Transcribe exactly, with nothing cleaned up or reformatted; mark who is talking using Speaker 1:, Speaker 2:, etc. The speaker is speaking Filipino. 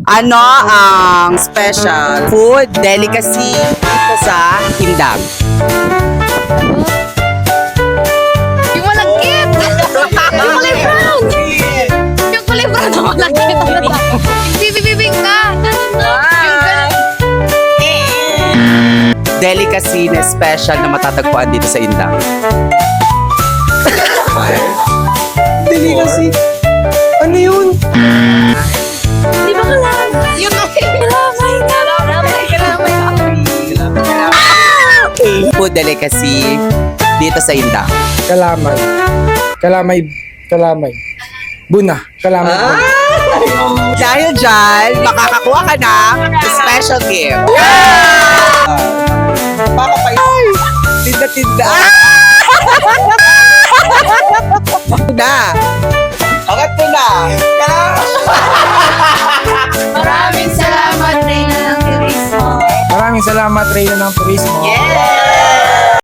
Speaker 1: Ano ang special food delicacy dito sa Indang?
Speaker 2: Yung malagkit! Yung kulay brown! Yung kulay brown na malagkit! Bibibibing ka! Yung ganun.
Speaker 1: Delicacy na special na matatagpuan dito sa Indang.
Speaker 3: Delicacy. Ano yun?
Speaker 2: Di ba kalamay? Yung kalamay! Kalamay! Kalamay!
Speaker 1: Food delicacy dito sa Indang.
Speaker 3: Kalamay. Kalamay. Kalamay. Buna. Kalamay. Buna.
Speaker 1: Dahil dyan, makakakuha ka ng special gift. Baka pa yun. Tinda-tinda. Na. Angat mo na.
Speaker 2: Maraming salamat, Reyna ng Turismo.
Speaker 3: Maraming salamat, Reyna ng Turismo.
Speaker 1: Yes!